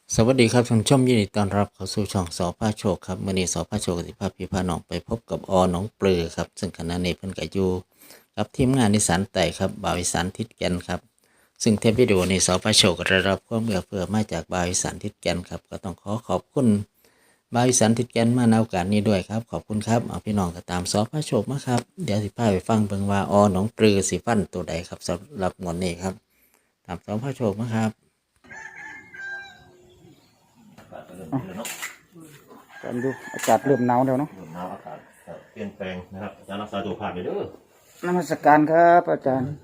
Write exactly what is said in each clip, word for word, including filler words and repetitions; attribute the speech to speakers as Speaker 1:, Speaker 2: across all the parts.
Speaker 1: สวัสดีครับท่านผู้ชมยินดีต้อนรับเข้าสู่ช่องสอพาโชคครับมื่อนี้สอพาโชคกับสิพาพี่พาน้องไปพบกับอน้องเปลือครับซึ่งขณะนี้เพิ่นก็อยู่กับทีมงานนิสสันไต่ครับบ่าวอีสานทิศแก่นครับซึ่งเทปวิดีโอนี้สอพาโชคก็ได้รับความเอื้อเฟื้อมาจากบ่าวอีสานทิศแก่นครับก็ต้องขอขอบคุณบ่าวอีสานทิศแก่นมาในโอกาสนี้ด้วยครับขอบคุณครับเอาพี่น้องก็ตามสอพาโชคมาครับเดี๋ยวสิพาไปฟังเบิ่งว่าอน้องเปลือสิฟันตัวใดครับสำหรับงวดนี้ครับตามสอพาโชคมาครับ
Speaker 2: กันดูอากาศเริ่มหนาวแล้วเนาะ
Speaker 3: เริ่มหนาวอากาศเปลี่ยนแปลงนะครับอาจารย์รักษาตัวผ่านไปเด้อน
Speaker 2: มัสการครับอาจารย์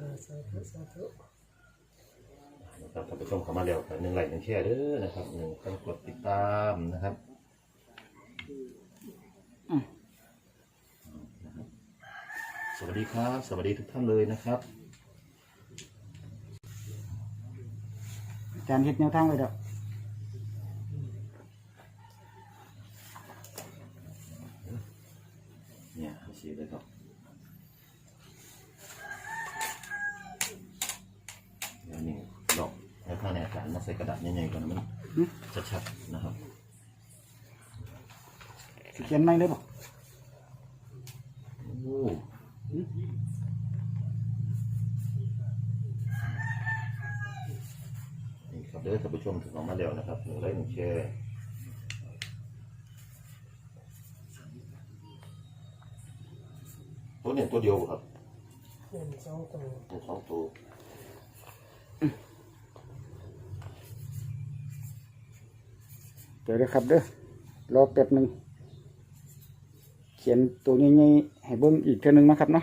Speaker 3: นะครับท่านผู้ชมเข้ามาแล้วหนึ่งไลค์หนึ่งแชร์เด้อนะครับหนึ่งการกดติดตามนะครับสวัสดีครับสวัสดีทุกท่านเลยนะครับ
Speaker 2: อาจารย์เฮ็ดแนวทางไว้แล้ว
Speaker 3: เนี่ยสีเลยครับเดี๋ยวนี้ดอกให้ผ้าในอาจารย์มาใส่กระดาษใหญ่ๆก่อนนะมันชัดๆนะครับ
Speaker 2: สิเขียนไม่เลยบ่
Speaker 3: โอ้นี่ครับเด้อท่านผู้ชมถึงออกมาแล้วนะครับหนึ่งไลค์หนึ่งแชร์ตัวเนี่ยตัวเดียวครับ
Speaker 4: หนึ่งสองตัว
Speaker 3: หนึ่งสองตัว
Speaker 2: เดี๋ยวเด้อครับเด้อรอแป๊บหนึงเขียนตัวใหญ่ๆให้เบิ่งอีกเทื่อนึงนะครับเนาะ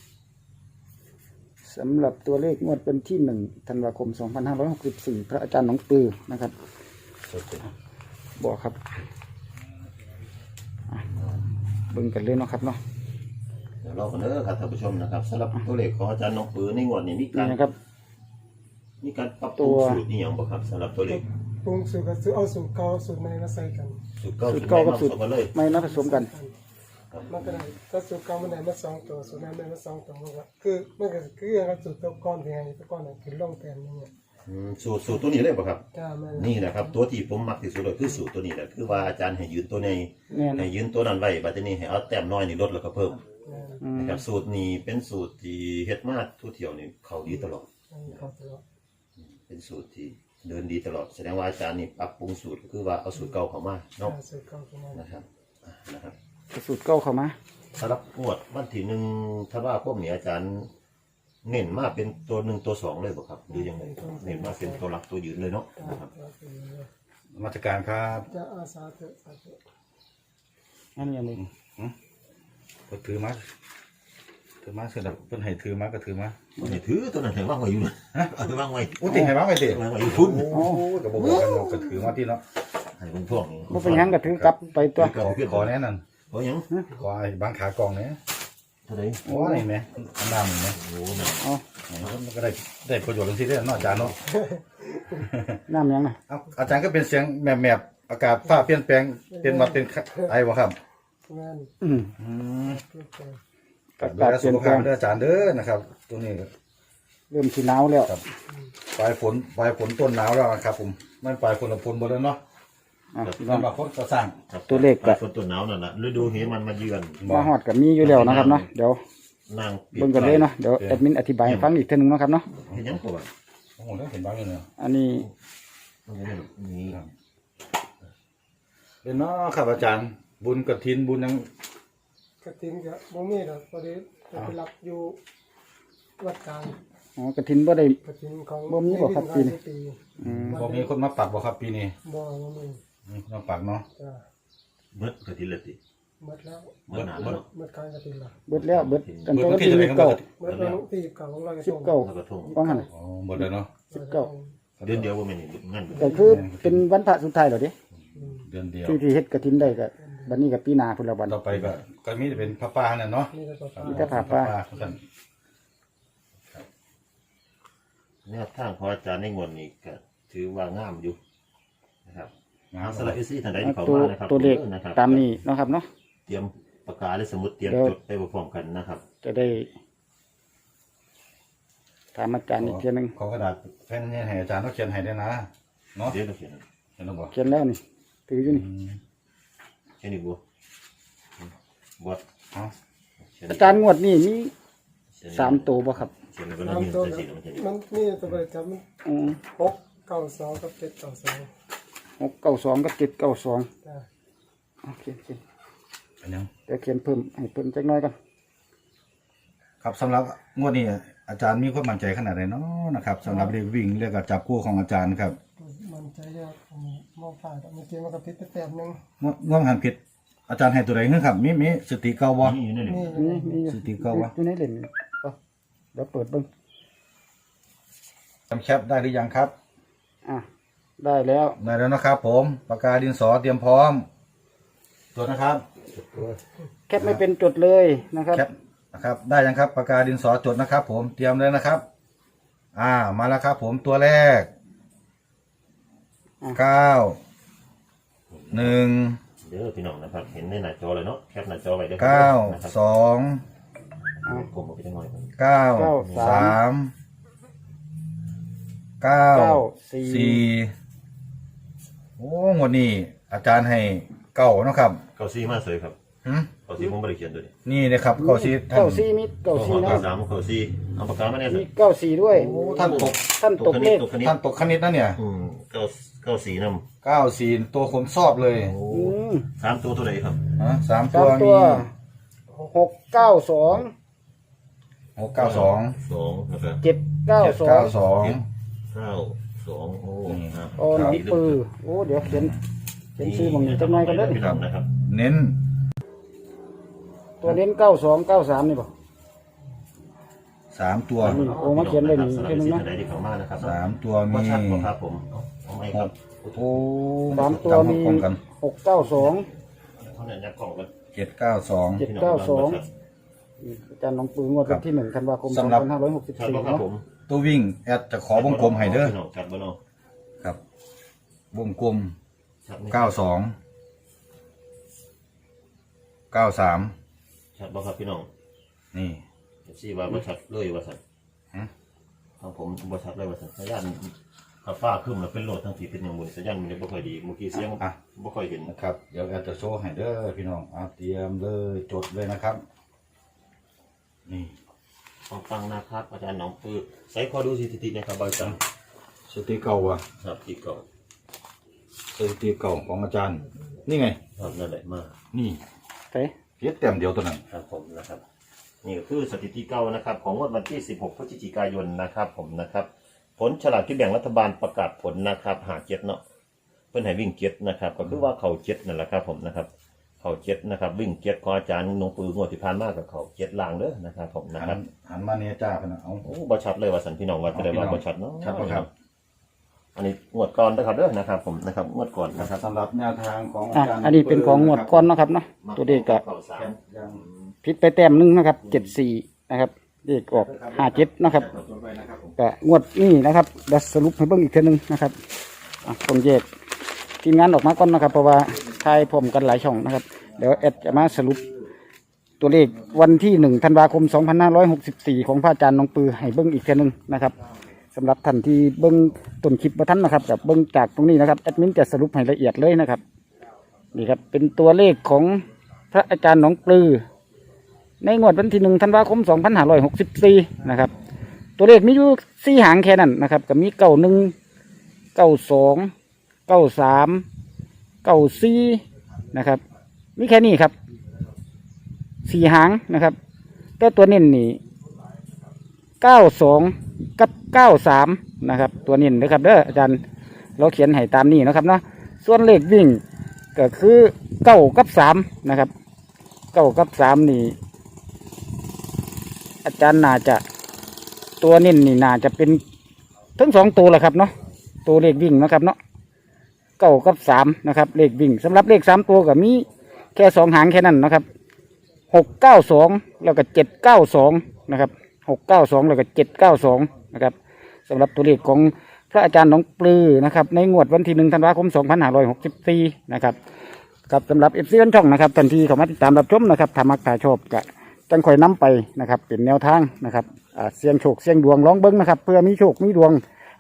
Speaker 2: สำหรับตัวเลขงวดเป็นที่หนึ่งธันวาคมสองพันห้าร้อยหกสิบสี่พระอาจารย์หนองปือนะครับ
Speaker 3: สด
Speaker 2: บอกครับอ่ะเบิ่งกันเลยเนาะครับเนาะ
Speaker 3: เดี๋ยวเรากันเด้อครับท่านผู้ชมนะครับสำหรับตัวเลขของอาจารย์น้องปือในงวดนี้มี
Speaker 2: นี่
Speaker 3: การ
Speaker 2: นะครับ
Speaker 3: มีการปรับปรุง
Speaker 2: ตัว
Speaker 3: สูตรนี่อย่างบ่ครับสำหรับตัวเลข
Speaker 4: ปรุงสูตรกับสูตรเอาสูตรเก่าสูตรใหม่มาใส่กัน
Speaker 3: สูตรเก้า
Speaker 2: สู
Speaker 3: สู
Speaker 2: ต
Speaker 3: ต
Speaker 2: ร
Speaker 3: ร
Speaker 2: เก่า
Speaker 3: ใหม่
Speaker 2: กับ
Speaker 3: มา
Speaker 2: สูตร
Speaker 3: ผสมกันเลย
Speaker 2: ไม่มาผสมกัน
Speaker 4: มันก็ได้ถ้าสูตรเก่ามันได้มาสองตัวสูตรใหม่ได้มาสองตัวมันก็คือมันก็คืออย่างกับสูตรตัวก้อนที่ให้ตัวก้อนน่ะคือลงแทนนี่เนี่ย
Speaker 3: อืมสูตรสูตรตัวนี้เลยบ่ครับ
Speaker 4: จ้าแม่น
Speaker 3: นี่นะครับตัวที่ผมมักที่สุดเลยคือสูตรตัวนี้แหละคือว่าอาจารย์ให้ยืนตัวใน
Speaker 2: แน่น
Speaker 3: ให้ยืนตัวนั้นไว้บัดนี้ให้เอาแต้มน้อยนี่ลดแล้วก็เพิ่ม
Speaker 4: แม่น
Speaker 2: อืม
Speaker 3: นะครับสูตรนี้เป็นสูตรที่เฮ็ดมาทั่วเที่ยวนี่เข้าดีตลอด
Speaker 4: อันนี้เขาตัว
Speaker 3: เป็นสูตรที่เดินดีตลอดแสดงว่าอาจารย์นี่ปรับปรุงสูตรก็คือว่าเอาสูตรเก่าเข้ามา
Speaker 4: จ้า
Speaker 3: เนาะ
Speaker 4: สูตรเก่าตัวนั้น
Speaker 3: นะครับอ่ะนะครับ
Speaker 2: สูตรเก่าเข้ามา
Speaker 3: สำหรับงวดวันที่หนึ่งถ้าว่าพวกนี้อาจารย์เน้นมาเป็นตัวหนึ่งตัวสองเลยบ่ครับหรือยังไงเน้นมาเป็นตัวหลักตัวยืนเลยเนาะ
Speaker 4: จ้า
Speaker 3: นะครับ
Speaker 4: จ้าตัวนี้เลย
Speaker 5: มาตรการครับ
Speaker 4: จ้าอาสาเถอะสาธุ
Speaker 2: อันนี้อันนี้
Speaker 5: ก็ถือมาถือมาเสร็จแล้วเพิ่นให้ถือมาก็ถือมา
Speaker 3: วันนี้ถือตัวนั้นให้ว่างไว้อยู่เลยเอาไปว่างไว้
Speaker 5: โอ้ติให้มาไปสิ
Speaker 3: ว่างไว้อยู่พุ่น
Speaker 5: โอ้ก็บอกกันเนาะก็ถือมาที่เนาะ
Speaker 3: ให้เป็นพวกนี้
Speaker 2: บ่เป็นหยังก็ถือกลับไปตัว
Speaker 3: ถือกลับไปเพื่อน
Speaker 5: ขอแน่นั่น
Speaker 3: เพราะหยัง
Speaker 5: ขอไอ้บางขากล่องเนี่ย
Speaker 3: เท่าไหร่
Speaker 5: โอ้นี่แหมอันดำนี่แหม
Speaker 3: โอ้นั่น
Speaker 2: อ๋อ
Speaker 5: มันก็ได้ได้ประโยชน์จังซี่เด้อเนาะอาจารย์เนาะ
Speaker 2: น้ำหยังน่ะ
Speaker 5: เอาอาจารย์ก็เป็นเสียงแมบๆอากาศฟ้าเปลี่ยนแปลงเป็นมาเป็นไอ้บ่ครับ
Speaker 4: แม่น
Speaker 2: อืม
Speaker 5: อืม
Speaker 4: เพื่อเกิด
Speaker 5: ก็ดูแลสุขภาพเด้ออาจารย์เด้อนะครับตัวนี้ก็
Speaker 2: เริ่มสิหนาวแล้ว
Speaker 5: ครับปลายฝนปลายฝนต้นหนาวแล้วนะครับผมมันปลายฝนละฝนบ่แล้วเนาะ
Speaker 2: อ่ะพี่น้อง
Speaker 5: สำหรับคนก่อสร้าง
Speaker 3: ครับ
Speaker 2: ตัวเลขก็
Speaker 3: ฝนต้นหนาวนั่นแหละฤดูเหมันมาเยือน
Speaker 2: มาฮอดก็มีอยู่แล้วนะครับเนาะเดี๋ยวน
Speaker 3: าง
Speaker 2: เบิ่งกันเลยเนาะเดี๋ยวแอดมินอธิบายให้ฟังอีกเทื่อนึงเนาะครับเนาะ
Speaker 3: เห็นยังตัว
Speaker 5: โอ้โหเห็นบ้างเลยเนาะ
Speaker 2: อันนี้
Speaker 3: นี่
Speaker 5: เป็นเนาะครับอาจารย์บุญกฐินบุญยัง
Speaker 4: กระถิ่นก็บ่มีดอกพอดีไปรับอยู่วัดกลาง
Speaker 2: อ๋อกฐินบ่ได้
Speaker 4: กระถิ่นของ
Speaker 2: บ่มีบ่ครับปีนี้
Speaker 4: ปี
Speaker 2: อืม
Speaker 5: บ่มีคนมาปักบ่ครับปีนี้
Speaker 4: บ่บ่มี
Speaker 5: มีคนมาปักเนาะ
Speaker 4: จ้า
Speaker 3: เมื่อกระถิ่นเลยสิ
Speaker 4: หมดแล้ว
Speaker 3: เมื่อหนาแล้ว
Speaker 4: หมดการกระถิ่นละ
Speaker 2: เบิดแล้วเบิดตั้ง
Speaker 5: เบิด
Speaker 2: แต่
Speaker 5: วั
Speaker 2: วัน น
Speaker 5: ที่
Speaker 2: ที่
Speaker 5: เท่าไหร่
Speaker 2: ยี่
Speaker 5: ค
Speaker 2: สิ
Speaker 5: รั
Speaker 2: บบ เก้า
Speaker 4: เมื่อวันที่เก่าของเรา
Speaker 2: สิบเก้า
Speaker 3: แล้วก็ทง
Speaker 2: ว่าหั่นน่ะ
Speaker 5: อ๋อหมดแล้วเนาะ
Speaker 2: สิบเก้า
Speaker 3: เดือนเดียวว่าไม่นี่งั้น
Speaker 2: ก็คือเป็นวันพระสุดท้ายแล้วเด้
Speaker 5: เดือนเดียว
Speaker 2: ที่ที่เฮ็ดกฐินได้ก็บัดนี้ก็ปีหน้าพุ่นละวัน
Speaker 5: ต่อไปก็ก็มีแต่เป็นพระป่านั่นเนาะ
Speaker 4: นี่ก็ฟ้า
Speaker 2: มีแต่ผ้าป่า
Speaker 5: ท่าน
Speaker 3: เนี่ยทางของอาจารย์ในงวดนี้ก็ถือว่างามอยู่นะครับ
Speaker 5: งาม
Speaker 3: สำหรับเอซี่ท่านใดที่เขา
Speaker 2: ตัว
Speaker 3: มานะครับ
Speaker 2: ตัวเลข
Speaker 3: นะครับ
Speaker 2: ตามนี้เนาะครับเนาะ
Speaker 3: เตรียมปากกาและสมุดเตรียม
Speaker 2: เดี๋ยว
Speaker 3: จดไปพร้อมๆกันนะครับ
Speaker 2: จะได้ถามอาจารย์อีกเทีนึง
Speaker 5: ขอกระดาษแผ่นนี้ให้อาจารย์ต้องเขียนให้ด้วยนะเนาะ
Speaker 3: เดี๋ยวเราเขียน
Speaker 2: อ
Speaker 5: เห็นแล้วบ่
Speaker 2: เขียนแล้วนี่ถืออยู่นี่
Speaker 3: แค่นี้บัวบวช
Speaker 5: เอา
Speaker 2: อาจารย์งวดนี่มีสามตัวบ่ครับ
Speaker 3: เขียนแล้วก็
Speaker 4: ตาม
Speaker 3: ยืน
Speaker 4: ตัว
Speaker 3: ใส่สีมันจะ
Speaker 4: มันนี่ตัวบริจาคมัน
Speaker 2: อืม
Speaker 4: หกเก้าสองกับเจ็ดเก้าสอง
Speaker 2: หกเก้าสองกับเจ็ดเก้าสอง
Speaker 4: จ้ะ
Speaker 2: โอเคโอเค
Speaker 5: เป็นยัง
Speaker 2: เดี๋ยวเขียนเพิ่มให้เพิ่มจักหน้อยกัน
Speaker 5: ครับสำหรับงวดนี้อาจารย์มีความมั่นใจขนาดไหนเนาะนะครับสำหรับเรียกวิ่งเรียกกับจับคู่ของอาจารย์ครับ
Speaker 4: มันใจยากผมมองผ่านเมื่อกี้มันก็พิษไปแต้มหนึง
Speaker 5: งวดงวดหันผิดอาจารย์ให้ตัวใดขึ้นครับมีมีสติเก่าบ่
Speaker 3: นี่อยู่นี่
Speaker 4: นี่
Speaker 2: นี่นี่อยู่
Speaker 5: สติเก่าวะ
Speaker 2: อยู่ในเหรียญเอาเดี๋ยวเปิดเบิ่ง
Speaker 5: จำแคปได้หรือยังครับ
Speaker 2: อ่ะได้แล้ว
Speaker 5: ได้แล้วนะครับ ผมปากกาดินสอเตรียมพร้อมตัวนะครับ
Speaker 2: แคปไม่เป็นจดเลยนะครับ
Speaker 5: แคปนะครับได้ยังครับปากกาดินสอจดนะครับ ผมเตรียมเลยนะครับ อ่ามาแล้วครับ ผมตัวแรก
Speaker 2: อ่ะ
Speaker 5: เก้าหนึ่ง
Speaker 3: เด้อพี่น้องนะครับเห็นในหน้าจอเลยเนาะแคปหน้าจอไว้เด้อ
Speaker 5: เก้า
Speaker 3: นะครับ
Speaker 5: สอง
Speaker 2: อ่ะ
Speaker 3: ผมเอาไปจังหน่อยก่อน
Speaker 5: เก้า
Speaker 2: เก้าสาม
Speaker 5: สามเก้า
Speaker 2: เก้าสี่
Speaker 5: สี่โอ้งวดนี้อาจารย์ให้เก้าเนาะครับ
Speaker 3: เก้าซี่มาเสยครับ
Speaker 5: หืม
Speaker 3: เก้าซี่ผมไม่ได้เขียนด้วย
Speaker 5: นี่นะครับเก้าสี่ท่าน
Speaker 2: เก้าสี่มีเก้าสี่
Speaker 3: เก้า
Speaker 2: นะ
Speaker 3: สามเก้าซี่เอาปากกามาแน่สิ
Speaker 2: มีเก้าสี่ด้วย
Speaker 5: โอ้ท่านตก
Speaker 2: ท่านตกเลข
Speaker 3: ตกคณิต
Speaker 5: ท่านตกคณิตนะเนี่ย
Speaker 3: อืมเก้าเก้าสี่น
Speaker 5: เก้าสี่ตัวผมชอบเลย
Speaker 3: ำโอ้
Speaker 2: อืม
Speaker 3: สามตัวตัวไหนครับ
Speaker 5: ฮะสาม
Speaker 2: สา
Speaker 5: ตัว
Speaker 2: มตั
Speaker 5: มี
Speaker 2: วหกเก้าสอง
Speaker 5: หกเก้าสอง
Speaker 3: สองนะครับ
Speaker 2: เจ็ดเก้า
Speaker 5: เจ็ด
Speaker 2: สอ
Speaker 5: เก้าง สอง
Speaker 3: เก้าสองโอ้
Speaker 5: นี่
Speaker 3: ครับ
Speaker 2: โอ้หนังปือโอ้เดี๋ยวเขียนเขียนชื่อมันจักหน่อยกันเด้อ
Speaker 3: พี่น้องนะครับ
Speaker 5: เน้น
Speaker 2: ตัวเน้นเก้าสองเก้าสามนี่ป่ะ
Speaker 5: สามตัว
Speaker 2: นี่โอ้มาเขียนเลยนี่
Speaker 3: สำหรับ
Speaker 2: แค่นึงนะ
Speaker 3: สิ่งใดที่เข้ามานะครับ
Speaker 5: สามตัว
Speaker 3: ว่า
Speaker 5: มี
Speaker 3: ชัดบ่ครับผมเอาเอาไหม
Speaker 5: ห
Speaker 3: ครับ
Speaker 5: กโอ้
Speaker 2: สามตัวมี
Speaker 5: จำพร้อมกัน
Speaker 2: หกเก้าสอง
Speaker 3: เท่านั้นยักกล่องกัน
Speaker 5: เจ็ดเก้าสอง
Speaker 2: เจ็ดเก้าสองอาจารย์น้องปืองวดวันที่หนึ่งธันวาคมสองพันห้าร้อยหกสิบ
Speaker 3: ชัด
Speaker 2: สี่
Speaker 3: บ่ครับ
Speaker 2: เนาะ
Speaker 3: ผม
Speaker 5: ตัววิ่งแอดจะขอวงกลมให้เด้อ
Speaker 3: พี่น้องชัดบ่เนาะ
Speaker 5: ครับ วงกลม
Speaker 3: ชัดไหม
Speaker 5: เก้าสองเก้าสาม
Speaker 3: ชัดบ่ครับพี่น้อง
Speaker 5: นี่
Speaker 3: เดี๋ยวสิว่าบ่ชัดเลยว่าซั่น
Speaker 5: ฮะ
Speaker 3: ทางผมบ่ชัดเลยว่าซั่นสัญญาณถ้าฟ้าขึ้นแล้วเป็นโหลดทางที่เป็นอย่างบุญสัญญาณมันยังบ่ค่อยดีเมื่อกี้เสียง
Speaker 5: อ่ะ
Speaker 3: บ่ค่อยเห็น
Speaker 5: นะครับเดี๋ยวแอดจะโชว์ให้เด้อพี่น้องเอาเตรียมเลยจดเลยนะครับ นี่
Speaker 3: ฟังฟังนะครับอาจารย์หน้องปือใส่ขอดูสถิตินะครับบริษัท
Speaker 5: สติเก่าอ่ะ
Speaker 3: ครับที่เก่า
Speaker 5: สติเก่าของอาจารย์ นี่ไง
Speaker 3: ครับนั่นแหละมาก
Speaker 5: นี่
Speaker 2: เฮ้ย
Speaker 5: เพียเต็มเดียวตัวนั้น
Speaker 3: ครับผมนะครับนี่ก็คือสถิติเก่านะครับ ของงวดวันที่สิบหกพฤศจิกายนนะครับ ผมนะครับ ผลฉลากที่แบ่งรัฐบาลประกาศผลนะครับหาเจ็ดเนาะเพื่อนให้วิ่งเจ็ดนะครับ ก็คือว่าเขาเจ็ดนั่นแหละครับ ผมนะครับ เขาเจ็ดนะครับ วิ่งเจ็ดของอาจารย์หนองปืองวดที่ผ่านมากับเขาเจ็ดลางเด้อนะครับ ผมนะค
Speaker 5: หั
Speaker 3: รับ
Speaker 5: นหันมาเนี่ยจ้าพะนะเอา
Speaker 3: โอ้บชัดเลยว่าสันพี่น้องว่าจะได้ว่าบชัดเนาะ
Speaker 5: ชัดปะครับ
Speaker 3: อันนี้งวดก่อนนะครับเด้อนะครับ ผมนะครับงวดก่อนนะครับ
Speaker 5: สำหรับแนวทางของอา
Speaker 2: อ่ะ
Speaker 5: จารย์
Speaker 2: อันนี้เป็นของงวดก้อนเนาะครับเนาะตัวเลขก็
Speaker 3: เข้าสาม
Speaker 5: ยัง
Speaker 2: ผิดไปแต้มหนึงนะครับเจ็ดสี่นะครับเลขออกห้าเจ็ดนะครับ
Speaker 5: จดไว้นะครับผม
Speaker 2: ก็งวดนี้นะครับเดี๋ยวสรุปให้เบิ่งอีกเทีนึงนะครับอ่ะต้องแยกทีมงานออกมาก่อนนะครับ เพราะว่าทายพร้อมกันหลายช่องนะครับเดี๋ยวแอดจะมาสรุปตัวเลขวันที่หนึ่งธันวาคมสองพันห้าร้อยหกสิบสี่ของพระอาจารย์น้องปือให้เบิ่งอีกเทีนึงนะครับสำหรับท่านที่เบิ่งต้นคลิปมาท่านนะครับกับเบิ่งจากตรงนี้นะครับแอดมินจะสรุปให้ละเอียดเลยนะครับนี่ครับเป็นตัวเลขของพระอาจารย์น้องปือในงวดวันที่หนึ่งธันวาคมสองพันห้าร้อยหกสิบสี่นะครับ ตัวเลขมีอยู่สี่หางแค่นั้นนะครับก็มีเก้าหนึ่งเก้าสองเก้าสามเก้าสี่นะครับมีแค่นี้ครับสี่หางนะครับแต่ตัวเน้นนี่เก้าสองกับเก้าสามนะครับตัวเน้นนะครับเด้ออาจารย์เราเขียนให้ตามนี้นะครับเนาะส่วนเลขวิ่งก็คือเก้ากับสามนะครับเก้ากับสามนี่อาจารย์น่าจะ ตัวเน้นนี่น่าจะเป็นทั้งสองตัวแหละครับเนาะตัวเลขวิ่งนะครับเนาะเก้ากับสามนะครับเลขวิ่งสำหรับเลขสามตัวก็มีแค่สองหางแค่นั้นนะครับหกเก้าสองแล้วก็เจ็ดเก้าสองนะครับหกเก้าสองแล้วก็เจ็ดเก้าสองนะครับสำหรับตัวเลขของพระอาจารย์หนองปลือนะครับในงวดวันที่หนึ่งธันวาคมสองพันห้าร้อยหกสิบสี่นะครับกับสำหรับเอฟซีช่องนะครับทันทีเขามาติดตามรับชมนะครับถ้ามักถ้าชอบก็จังคอยนำไปนะครับเป็นแนวทางนะครับ อ่าเสี่ยงโชคเสี่ยงดวงร้องเบิ้งนะครับเพื่อมีโชคมีดวง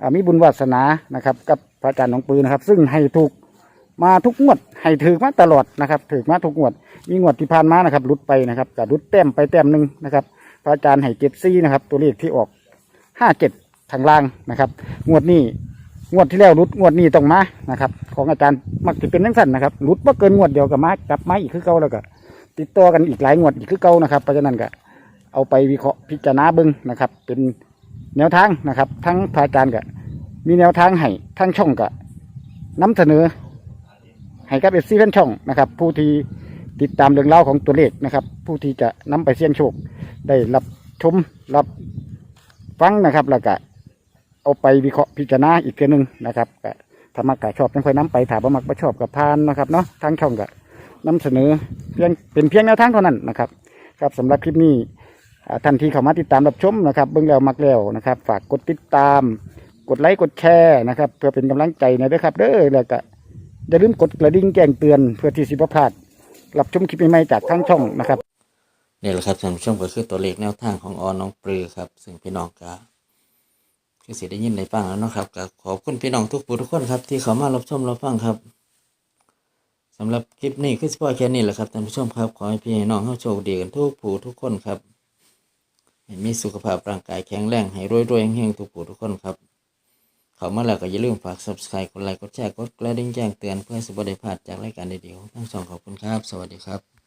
Speaker 2: อ่ามีบุญวาสนานะครับกับพระอาจารย์หนองปือนะครับ ซึ่งให้ถูกมาทุกงวดให้ถือมาตลอดนะครับถือมาทุกงวดมีงวดที่ผ่านมานะครับรุดไปนะครับกับรุดแต้มไปแต้มหนึ่งนะครับพระอาจารย์ให้เจ็ดซี่นะครับตัวเลขที่ออกห้าเจ็ดทางล่างนะครับงวดนี้งวดที่แล้วรุดงวดนี้ต้องมานะครับของอาจารย์มักจะเป็นทั้งสั้นนะครับรุดว่าเกินงวดเดียวกับมากลับมาอีกคือเก่าแล้วก็ติดต่อกันอีกหลายงวดอีกคือเก่านะครับเพราะฉะนั้นก็เอาไปวิเคราะห์พิจารณาเบิ้งนะครับเป็นแนวทางนะครับทั้งพระอาจารย์ก็มีแนวทางให้ทั้งช่องก็นำเสนอให้กับเอฟซีแฟนช่องนะครับผู้ที่ติดตามเรื่องเล่าวของตัวเลขนะครับผู้ที่จะนำไปเสี่ยงโชคได้รับชมรับฟังนะครับแล้วก็เอาไปวิเคราะห์พิจารณาอีกทีหนึ่งนะครับก็ถ้ามักกะชอบยังค่อยนํไปถ้าบ่มักบ่ชอบกับพานนะครับเนาะทางช่องก็นำเสนอเพียงเป็นเพียงแนวทางเท่านั้นนะครับครับสำหรับคลิปนี้อ่าท่านที่เข้ามาติดตามรับชมนะครับเบิ่งแล้วมักแล้วนะครับฝากกดติดตามกดไลค์กดแชร์นะครับเพื่อเป็นกำลังใจในเด้อครับเด้อแล้วก็อย่าลืมกดกระดิ่งแจ้งเตือนเพื่อที่สิบ่พลาดรับชมคลิปใหม่ๆจากทางช่องนะครับ
Speaker 1: นี่แหละครับท่านผู้ชมก็คือตัวเลขแนวทางของอน้องปลือครับซึ่งพี่น้องก็คือสิได้ยินได้ฟังแล้วเนาะครับก็ขอบคุณพี่น้องทุกผู้ทุกคนครับที่เข้ามารับชมรับฟังครับสำหรับคลิปนี้คือสปอยแค่นี้แหละครับท่านผู้ชมครับขอให้พี่น้องเฮาโชคดีกันทุกผู้ทุกคนครับให้มีสุขภาพร่างกายแข็งแรงให้รวยๆเฮงๆทุกผู้ทุกคนครับเข้ามาแล้วก็อย่าลืมฝาก ซับสไครบ์ กดไลค์กดแชร์กดกระดิ่งแจ้งเตือนเพื่อสิบ่ได้พลาดจากรายการดีๆของทั้งสองขอบคุณครับสวัสดีครับ